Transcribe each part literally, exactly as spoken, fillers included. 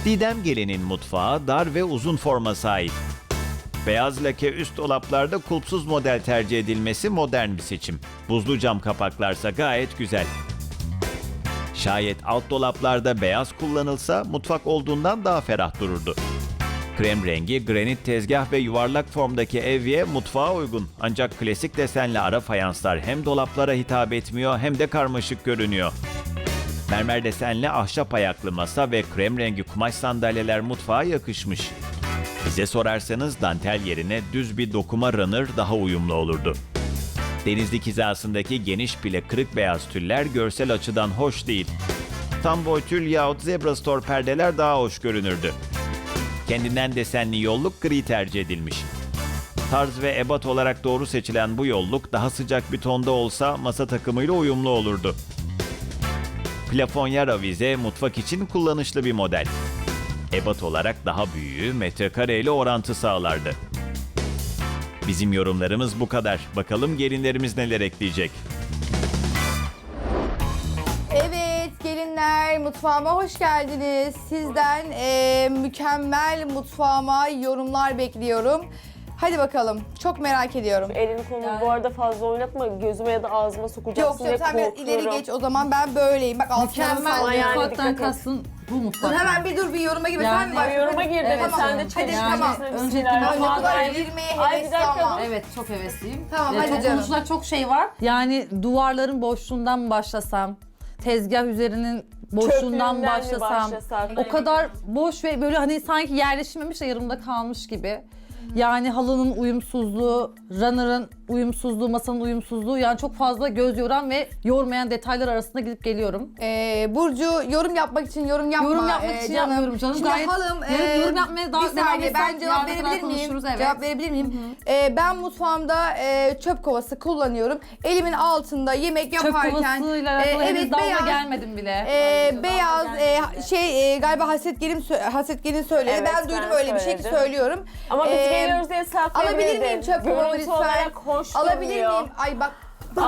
Didem Gelin'in mutfağı dar ve uzun forma sahip. Beyaz lake üst dolaplarda kulpsuz model tercih edilmesi modern bir seçim. Buzlu cam kapaklarsa gayet güzel. Şayet alt dolaplarda beyaz kullanılsa mutfak olduğundan daha ferah dururdu. Krem rengi, granit tezgah ve yuvarlak formdaki evye mutfağa uygun. Ancak klasik desenli ara fayanslar hem dolaplara hitap etmiyor hem de karmaşık görünüyor. Mermer desenli ahşap ayaklı masa ve krem rengi kumaş sandalyeler mutfağa yakışmış. Bize sorarsanız dantel yerine düz bir dokuma runner daha uyumlu olurdu. Denizlik hizasındaki geniş pile kırık beyaz tüller görsel açıdan hoş değil. Tam boy tül yahut zebra store perdeler daha hoş görünürdü. Kendinden desenli yolluk gri tercih edilmiş. Tarz ve ebat olarak doğru seçilen bu yolluk daha sıcak bir tonda olsa masa takımıyla uyumlu olurdu. Plafonyer avize mutfak için kullanışlı bir model. Ebat olarak daha büyüğü metrekare ile orantı sağlardı. Bizim yorumlarımız bu kadar. Bakalım gelinlerimiz neler ekleyecek. Evet gelinler, mutfağıma hoş geldiniz. Sizden eee, mükemmel mutfağıma yorumlar bekliyorum. Hadi bakalım. Çok merak ediyorum. Elini kolunu bu arada fazla oynatma. Gözüme ya da ağzıma Yok sokacaksın diye yok sen biraz korkuyorum. ileri geç o zaman ben böyleyim. Bak altına Mükemmel Ama yani mutfaktan dikkat et. kastın bu Dur mutfak. hemen bir dur bir yoruma gibi. Yani- Sen mi başladın? Yoruma gir dedim, Tamam. sen de Hadi çalışacaksın. tamam. Öncelikle Ay, ne kadar Bismillahirrahmanirrahim. girmeye Ay, bir hevesli dakika, ama. dur. Evet, çok hevesliyim. Tamam, Ee, hadi çok canım. konuşulacak çok şey var. Yani duvarların boşluğundan mı başlasam, tezgah üzerinin boşluğundan Çöplüğünden mi başlasam. başlasak? O kadar boş ve böyle hani sanki yerleşmemiş de yarımda kalmış gibi. Yani halının uyumsuzluğu, runner'ın uyumsuzluğu, masanın uyumsuzluğu, yani çok fazla göz yoran ve yormayan detaylar arasında gidip geliyorum. Ee, Burcu yorum yapmak için yorum yapma. Yorum yapmak ee, için yapmıyorum canım. Şimdi Gayet- halım, Yorum- ee, yorum yapmaya daha bir devam saniye ben etsek cevap yarına kadar verebilir miyim? konuşuruz, evet. Cevap verebilir miyim? Ee, ben mutfağımda ee, çöp kovası kullanıyorum. Elimin altında yemek Çöp yaparken. kovasıyla alakalı ee, henüz evet dalga beyaz. gelmedim bile. Ee, beyaz ee, şey ee, galiba Haset Gelin sö- Haset Gelin söyledi. Evet, ben duydum ben öyle bir şey ki söyledim. söylüyorum. Ama biz Ee, geliyoruz diye saklayabilirdin. Alabilir miyim çöp kovamı Görüntü lütfen? olarak hoş Alabilir duruyor. miyim? Ay bak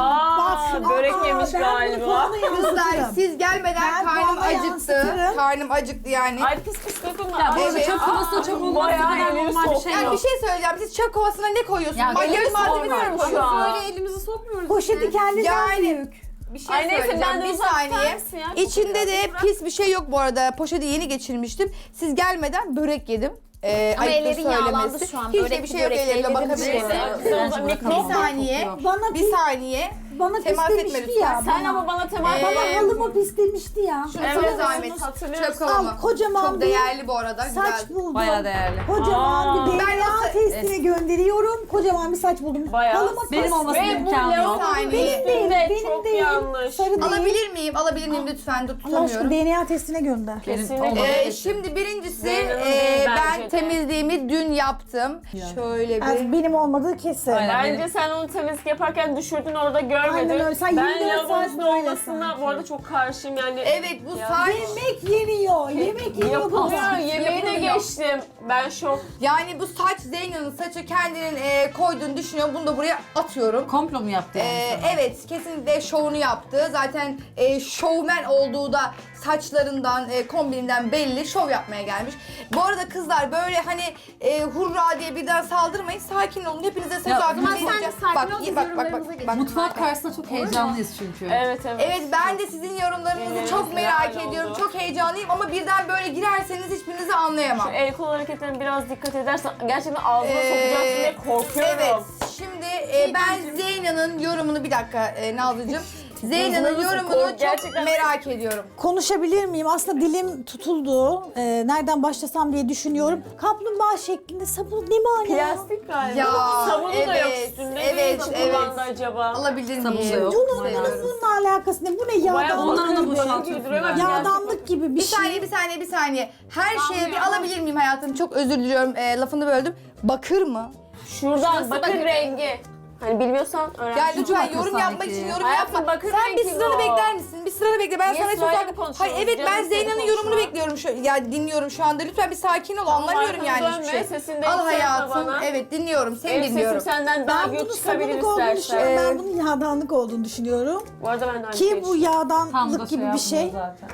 Aa, börek yemiş ben bunu galiba. puanla kızlar yansıtırım. siz gelmeden Ben karnım puanla acıktı. yansıtırım. Karnım acıktı yani. Ay pis pis dokunma. Ya bu Ay, arada Evet. çöp kovası da çok olmaz. bayağı kadar elini normal bir sok. şey Yani yok. bir şey söyleyeceğim. Siz çöp kovasına ne koyuyorsunuz? Ya Makyaj elimiz malzemesi mi sormuyorum şu koyuyorsunuz? an. Böyle elimizi sokmuyoruz. Poşeti kendinden Yani büyük. bir şey Ay neyse, söyleyeceğim. ben de Bir uzak tutar saniye. mısın ya? İçinde de pis bir şey yok bu arada. Poşeti yeni geçirmiştim. Siz gelmeden börek yedim. Ee, Ama ayıptır ellerin yağlandı söylemesi. şu an. Hiç de Börekli bir şey yok börekli ellerine ellerin bakabilirsin. Neyse, Bir mikrofon. saniye. Bana Bir pis, saniye. bana Temas etme pislemişti lütfen. ya. Sen bana, ama bana temas Ee, bana halıma pislemişti ya. Şunu Evet, sana zahmet. hatırlıyorsun. Çöp kovamı. Al, kocaman Çok bir değerli bu arada. Saç Güzel. buldum. Bayağı değerli. Kocaman Aa. bir Ben D N A nasıl- testine gönderiyorum. Kocaman bir saç buldum. Bayağı. Halıma Benim pis- olmasının Ve bu imkanı yok. Leon'un Benim üstünde benim çok değil. yanlış. Sarı değil. Alabilir miyim? Alabilir miyim lütfen? Dur Allah tutamıyorum. aşkına D N A testine gönder. Benim Kesinlikle. olmadı. Ee, şimdi birincisi Zeynep'in e, değil ben bence de. temizliğimi dün yaptım. Şöyle Yani bir. benim olmadığı kesin. Aynen. Bence benim- sen onu temizlik yaparken düşürdün, orada görmedin. Aynen öyle. Sen ben yirmi dört lavabonun saat üstünde böyle olmasına sanki. bu arada çok karşıyım yani. Evet bu Ya. saç. Yemek yeniyor. Yemek yeniyor bu Yapılıyor, saç. yemeği de Yapılıyor. geçtim. Ben şok. Yani bu saç Zeynep'in saçı kendinin e, koyduğunu düşünüyorum. Bunu da buraya atıyorum. Komplo mu yaptı yani? Ee, sana? evet kesinlikle şovunu yaptı. Zaten e, şovmen olduğu da saçlarından, e, kombininden belli. Şov yapmaya gelmiş. Bu arada kızlar böyle hani e, hurra diye birden saldırmayın. Sakin olun. Hepinize söz Ya, hakkı o zaman sen de vereceğim. sakin Bak, ol, biz bak, bak, bak, yorumlarımıza bak, geçelim. Mutfak karşısında çok heyecanlıyız çünkü. Evet evet. Evet ben de sizin yorumlarınızı Elleriniz çok merak helal ediyorum. oldu. Çok heyecanlıyım ama birden böyle girerseniz hiçbirinizi anlayamam. Şu el kol hareketlerine biraz dikkat edersen gerçekten ağzına Ee, sokacaksın diye korkuyorum. Evet. Şimdi e, ben Zeyna'nın yorumunu bir dakika e, Nazlıcığım. Zeyna'nın Nazlı, yorumunu kork- çok gerçekten- merak ediyorum. Konuşabilir miyim? Aslında dilim tutuldu. Ee, nereden başlasam diye düşünüyorum. Kaplumbağa şeklinde sabun ne mana? Plastik galiba. Ya, Sabunu da yok evet, üstünde. evet, Nasıl evet. kullandı acaba? Alabilir Sabun da miyim? yok. Bunun, Seviyoruz. bununla alakası ne? Bu ne Bayağı yağdan? Onları da bakır boşaltıyorsun giydiriyor ama yani. Yağdanlık gibi bir Bir şey. saniye, bir saniye, bir saniye. Her şeye bir alabilir miyim hayatım? Çok özür diliyorum. E, lafını böldüm. Bakır mı? Şuradan Şurası bakır bakır rengi. Hani bilmiyorsan öğren. Ya lütfen bakır yorum sanki. yapmak için yorum Hayatım, yapma. bakır Sen bir rengi sıranı bu. bekler misin? Bir sıranı bekle. Ben Niye sana söz sırayla hakkı... konuşuyoruz? Hayır evet ben Canım, Zeyna'nın seni yorumunu konuşma. bekliyorum. Şu, ya dinliyorum şu anda. Lütfen bir sakin ol. Anlamıyorum yani arkanı hiçbir dönme, şey. sesini de Al yükseltme hayatım. bana. Evet dinliyorum. Seni Benim sesim dinliyorum. senden daha Ben gök bunun çıkabilir sabunluk olduğunu istersen. düşünüyorum. Ee, Ben bunun yağdanlık olduğunu düşünüyorum. Bu arada ben de aynı Ki şeyi bu düşünüyorum. Tam da yağdanlık şey gibi bir şey. yapmıyor zaten.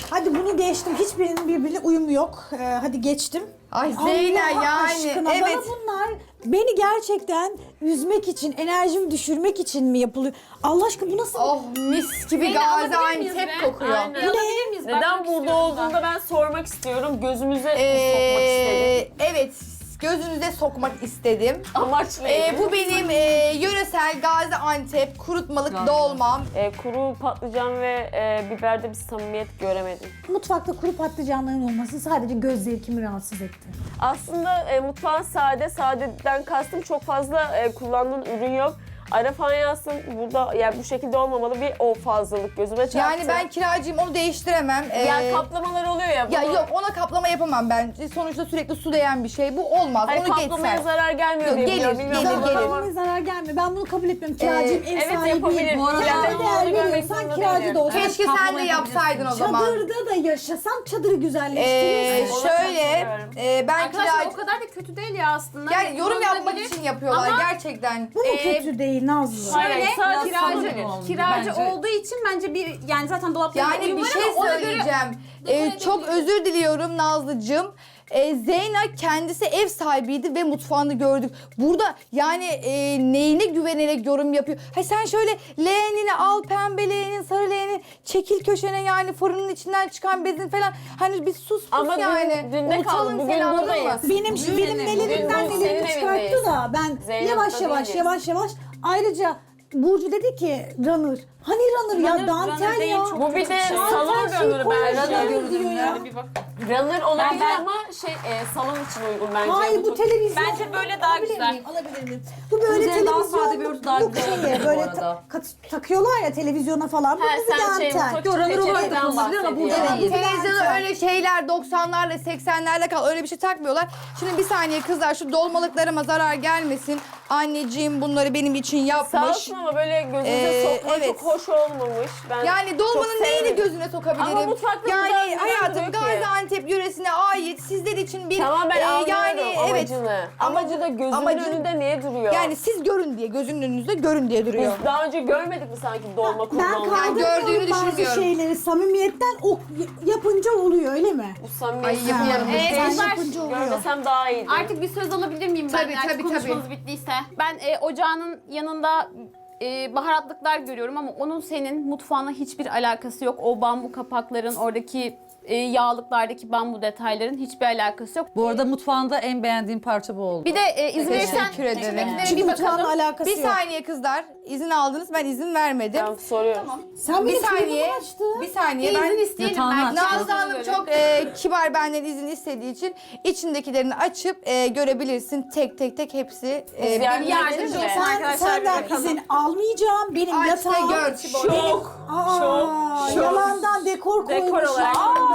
Hadi bunu geçtim. Hiçbirinin birbirine uyumu yok. Ee, hadi geçtim. Ay Zeynep Allah yani aşkına, evet. bana bunlar beni gerçekten üzmek için, enerjimi düşürmek için mi yapılıyor? Allah aşkına bu nasıl? Oh mis gibi Zeynep, alabilir miyiz Gaziantep be? kokuyor. Aynen. Bu alabilir miyiz? Neden Bakmak burada istiyorum da. olduğunda ben sormak istiyorum. Gözümüze sokmak istedim. Ee, evet gözünüze sokmak istedim. Amaç Ee, neydi? bu benim e, yöresel Gaziantep kurutmalık dolmam. E, kuru patlıcan ve e, biberde bir samimiyet göremedim. Mutfakta kuru patlıcanların olması sadece göz zevkimi rahatsız etti. Aslında e, mutfağın sade, sadeden kastım çok fazla e, kullandığın ürün yok. Ara fayansın burada yani bu şekilde olmamalı bir o fazlalık gözüme çarptı. Yani ben kiracıyım onu değiştiremem. Ee, yani kaplamalar oluyor ya. ya bunu- yok ona kaplama yapamam ben. Sonuçta sürekli su değen bir şey. Bu olmaz. Hayır, onu kaplamaya geçsen. zarar gelmiyor Yok, diye gelir, biliyorum. Bilmiyorum gelir, ama- gelir. Kendime zarar gelmiyor. Ben bunu kabul etmiyorum. Kiracıyım, ev evet, sahibiyim. yapabilir. Bu arada Kiracı değer olduğunu görmek veriyorsan zorunda kiracı değilim. da olsa. Keşke sen de yapsaydın o zaman. Çadırda da yaşasam çadırı Ee, güzelleştirirsin. Ona şöyle katılıyorum. e, ben Arkadaşlar kiracı... o kadar da kötü değil ya aslında. Yani yorum yapmak Kullanılabilir. için yapıyorlar Ama- gerçekten. Bu mu Ee, kötü değil Nazlı? Hayır, Şöyle sadece kiracı, sanırım oldu kiracı bence. olduğu için bence bir yani zaten dolaplarda Yani uyum bir var şey ama ona göre söyleyeceğim. Ee, dekore çok edebiliriz. özür diliyorum Nazlıcığım. Ee, Zeyna kendisi ev sahibiydi ve mutfağını gördük. Burada yani e, neyine güvenerek yorum yapıyor? Ha sen şöyle leğenini al, pembe leğenin, sarı leğenin, çekil köşene yani fırının içinden çıkan bezin falan. Hani bir sus pus Ama dün- yani. dün ne kaldı? Unutalım Bugün seni, anladın buradayız. mı? Benim benim nelerimden bugün nelerimi senin çıkarttı evindeyiz. da ben Zeynep yavaş burada yavaş değiliz. yavaş yavaş ayrıca Burcu dedi ki runner. Hani runner ya Runner- dantel runner değil, ya. çok Bu bir de Dantel salon şey runner'ı koymuş bence. ya, Runner diyor ya. Bir bak. Runner olabilir Ben- ama şey e, salon için uygun bence. Hayır bu çok- televizyon. Bence böyle daha Alabilir güzel. miyim? Alabilir miyim? Bu böyle Üzerine daha televizyon. sade bir örtü daha bu güzel şeye olurdu bu böyle arada. ta- kat- takıyorlar ya televizyona falan. Bu Ha, bir sen şey dantel. mutfak Yo, runner olarak da peçeteden kullanılabilir ama burada bahsediyor. değil. Televizyona Dantel. öyle şeyler doksanlarla seksenlerle kal öyle bir şey takmıyorlar. Şimdi bir saniye kızlar şu dolmalıklarıma zarar gelmesin. Anneciğim bunları benim için Sağ yapmış. olsun ama böyle gözünüze Ee, sokma evet. çok hoş olmamış. Ben Yani dolmanın çok neyini sevmedim. gözüne sokabilirim? Ama mutfakta yani bunlar neden hayatım duruyor ki? Gaziantep yöresine ait sizler için bir Tamam ben e, anlıyorum yani evet. amacını. Ama- Amacı da gözümün amacın- önünde niye duruyor? Yani siz görün diye gözünün önünüzde görün diye duruyor. Biz daha önce görmedik mi sanki dolma Ben kullanmayı? kaldırmıyorum gördüğünü bazı düşünmüyorum. şeyleri samimiyetten o yapınca oluyor öyle mi? Bu samimiyet. Ay, yapıyorum. Ee, Sen kızlar, yapınca oluyor. Görmesem daha iyiydi. Artık bir söz alabilir miyim ben? Tabii, Artık tabii, konuşmanız tabii. bittiyse. Ben e, ocağının yanında e, baharatlıklar görüyorum ama onun senin mutfağına hiçbir alakası yok. O bambu kapakların, oradaki e, yağlıklardaki bambu detayların hiçbir alakası yok. Bu arada mutfağında en beğendiğim parça bu oldu. Bir de e, izin verirsen Teşekkür ederim. içindekilere Çünkü bir mutfağınla bakalım. alakası Bir yok. saniye kızlar izin aldınız ben izin vermedim. Ben soruyorum. Sen Bir benim saniye. telefonumu açtın. Bir saniye Bir ben izin isteyelim Yatağını belki. aç. Nazlı Hanım çok e, kibar benden izin istediği için içindekilerini açıp e, görebilirsin tek tek tek hepsi. E, Biz yani benim yardımcı yardımcım. olsun. Sen, arkadaşlar, senden bakalım. izin almayacağım. Benim Aç ve yatağım. gör. Şok. Aa, Şok, şok. yalandan dekor Dekor koymuşlar. olarak.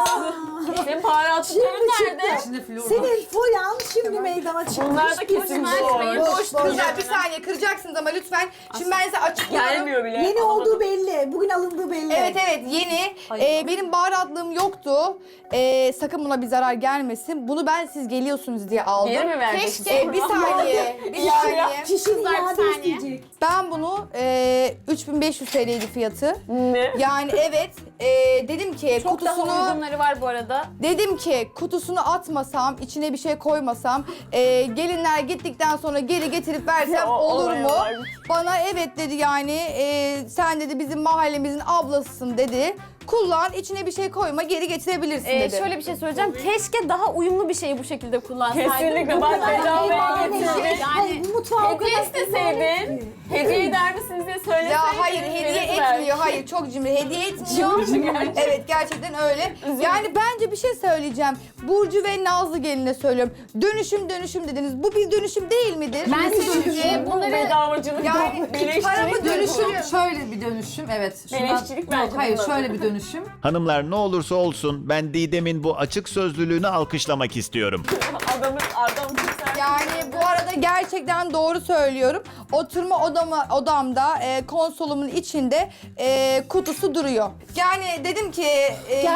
Senin baharatlıkların Şimdi nerede? çıktı. Senin foyan şimdi meydana çıkmış. Bunlar da kesin Boş, boş. Boş, boş. Kızlar bir saniye kıracaksınız ama lütfen. Şimdi ben size açıklıyorum. Gelmiyor bile. Yeni olduğu belli. Bugün alındığı belli. Evet evet yeni. Ee, benim baharatlığım yoktu. Ee, sakın buna bir zarar gelmesin. Bunu ben siz geliyorsunuz diye aldım. Geri mi vereceksin? Keşke. Ee, bir saniye. Bir Ya, saniye. Kişinin Kızlar, bir iade saniye. isteyecek. Ben bunu e, üç bin beş yüz T L'ydi fiyatı. Ne? Yani evet e, dedim ki Çok daha kutusunu uygunları var bu arada. dedim ki kutusunu atmasam, içine bir şey koymasam, e, gelinler gittikten sonra geri getirip versem O- olur olay mu? var. Bana evet dedi yani e, sen dedi bizim mahallemizin ablasısın dedi. Kullan içine bir şey koyma geri getirebilirsin Ee, dedi. şöyle bir şey söyleyeceğim. Keşke daha uyumlu bir şeyi bu şekilde kullansaydım. Kesinlikle bak bedavaya Yani, getirdin. yani mutfağa o Hediye kadar isteseydin, hediye eder misiniz diye söyleseydin. Ya hayır hediye verirdim belki. etmiyor. Hayır çok cimri. Hediye etmiyor. Gerçekten. Evet gerçekten öyle. Yani bence bir şey söyleyeceğim. Burcu ve Nazlı geline söylüyorum. Dönüşüm dönüşüm dediniz. Bu bir dönüşüm değil midir? Ben size e, Bu bunları bedavacılık, Yani beleşçilik paramı bu. dönüşüm- Şöyle bir dönüşüm, evet. Şundan- Beleşçilik bence Yok, hayır, bunlar. şöyle bir dönüşüm. Hanımlar ne olursa olsun ben Didem'in bu açık sözlülüğünü alkışlamak istiyorum. Adamın adam sen. Yani bu arada gerçekten doğru söylüyorum. Oturma odama, odamda e, konsolumun içinde e, kutusu duruyor. Yani dedim ki e, Gerçekten yorgun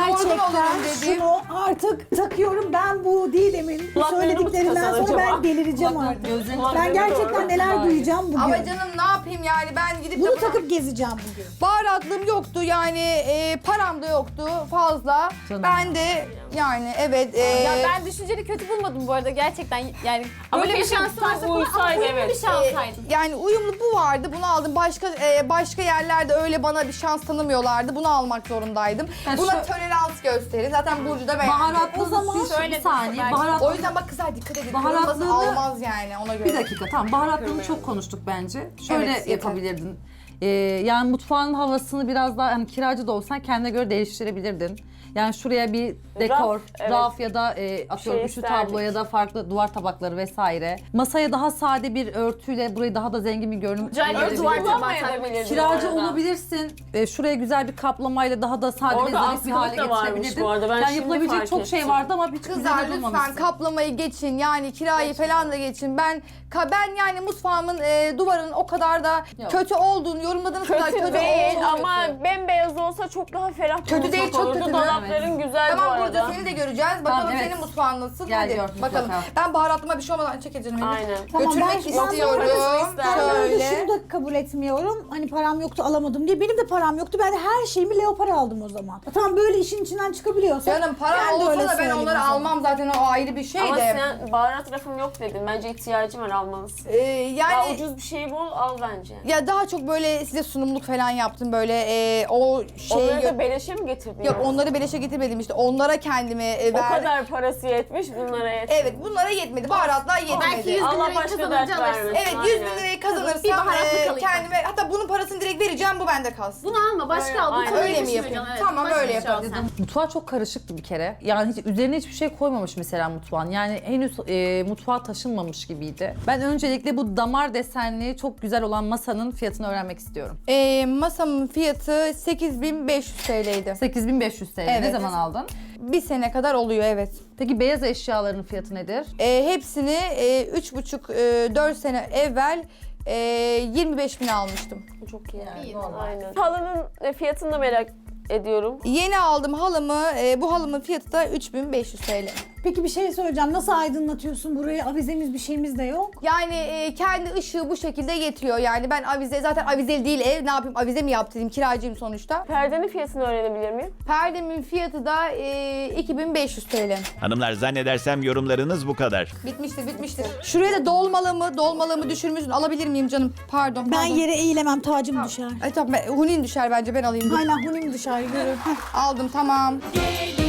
alırım dedim. şunu artık takıyorum. Ben bu Didem'in bu Kulaklarını mı söylediklerinden tıkasan sonra acaba? ben delireceğim Kulaklar- artık. gözlerini- Ben Kulaklarına gerçekten doğru. neler Hayır. duyacağım bugün. Ama canım ne yapayım yani ben gidip de Bunu buna- takıp gezeceğim bugün. baharatlığım yoktu yani e, param da yoktu fazla. Canım. Ben de yani evet. e, Ya ben düşünceli kötü bulmadım bu arada gerçekten yani Ama böyle bir keşke şans varsa tam bana ama uysaydı, uyumlu evet. bir şey alsaydın. Yani uyumlu bu vardı. Bunu aldım. Başka e, başka yerlerde öyle bana bir şans tanımıyorlardı. Bunu almak zorundaydım. Ha, Buna şu- tolerans gösterin. Zaten Burcu da beğendi. Baharatlı O zaman siz şöyle bir saniye. belki- Baharat O yüzden bak kızlar dikkat edin. Baharatlığını- Kırılması almaz yani ona göre. Bir dakika tamam baharatlığını çok konuştuk bence. Şöyle Evet, yeter. yapabilirdin. Ee, yani mutfağın havasını biraz daha hani kiracı da olsan kendine göre değiştirebilirdin. Yani şuraya bir dekor, Raf, evet. raf ya da e, atıyorum Şey üçlü isterdik. tablo ya da farklı duvar tabakları vesaire. Masaya daha sade bir örtüyle burayı daha da zengin bir görünüm Güzel bir verebilirdin. duvar tabağı Kullanmayabilirdin Kiracı orada. olabilirsin. Ee, şuraya güzel bir kaplamayla daha da sade ve Orada zarif bir hale askılık da varmış getirebilirdin. bu arada, ben Yani şimdi yapılabilecek fark çok şey ettim. vardı ama hiç Kızlar üzerine lütfen durmamışsın. kaplamayı geçin yani kirayı falan da geçin. Ben ka, ben yani mutfağımın e, duvarının o kadar da Yok. kötü olduğunu yorumladığınız kadar Kötü kötü değil olduğunu- ama bembeyaz olsa çok daha ferah bir Kötü mutfak değil, çok olurdu. kötü. Dolapların güzel bu Tamam arada. Burcu seni de göreceğiz. Bakalım Tamam, evet. senin mutfağın nasıl? Gel Hadi gör, bakalım. mutlaka. Ben baharatlıma bir şey olmadan çekeceğim. Elif. Aynen. Tamam, Götürmek ben- ben istiyorum. parasını isterdim. Ben böyle Şöyle. şunu da kabul etmiyorum. Hani param yoktu alamadım diye. Benim de param yoktu. Ben de her şeyimi leopar aldım o zaman. Tamam böyle işin içinden çıkabiliyorsa. Canım param ben de olsa öyle da ben söyleyeyim onları o zaman. almam zaten o ayrı bir şey Ama de. sen baharat rafım yok dedin. Bence ihtiyacım var almalısın. Ee, Ya yani ucuz bir şey bul al bence. ya daha çok böyle size sunumluk falan yaptım böyle e, o şey Onları da beleşe mi getirdin? yok yani? onları beleşe getirmedim işte onlara kendime e, O verdim. kadar parası yetmiş bunlara yetmez. Evet bunlara yetmedi baharatlar yetmedi. Belki yüz bin Allah lirayı başka kazanınca dert alırsın. vermesin. Evet yüz bin Aynen. lirayı kazanırsam Bir baharatlık e, alayım. kendime hatta bunun parasını direkt vereceğim bu bende kalsın. Bunu alma başka Öyle, al. Bu aynen. konuyu Öyle mi düşünmeyeceksin, yapayım? evet. Tamam, Başka öyle bir şey al yapalım. sen. Mutfağı çok karışıktı bir kere. Yani hiç üzerine hiçbir şey koymamış mesela mutfağın. Yani henüz e, mutfağa taşınmamış gibiydi. Ben öncelikle bu damar desenli çok güzel olan masanın fiyatını öğrenmek istiyorum. E, masamın fiyatı sekiz bin beş yüz T L'ydi. sekiz bin beş yüz T L. Ne Evet. zaman aldın? Bir sene kadar oluyor evet. Peki beyaz eşyaların fiyatı nedir? E, hepsini e, üç buçuk dört sene evvel e, yirmi beş bin almıştım. Çok iyi. İyi. Aynen. Halının e, fiyatını da merak ediyorum. Yeni aldım halımı. e, bu halımın fiyatı da üç bin beş yüz T L. Peki bir şey söyleyeceğim. Nasıl aydınlatıyorsun burayı? Avizemiz bir şeyimiz de yok. Yani e, kendi ışığı bu şekilde getiriyor. Yani ben avize zaten avizeli değil ev. Ne yapayım avize mi yaptırayım kiracıyım sonuçta. Perdenin fiyatını öğrenebilir miyim? Perdemin fiyatı da e, iki bin beş yüz T L. Hanımlar zannedersem yorumlarınız bu kadar. Bitmiştir bitmiştir. Şuraya da dolmalığımı dolmalığımı düşürmüşsün. Alabilir miyim canım? Pardon. Ben pardon. yere eğilemem, tacım düşer. Ay tamam ben, hunin düşer bence ben alayım. Aynen hunim düşer, görür. Aldım tamam.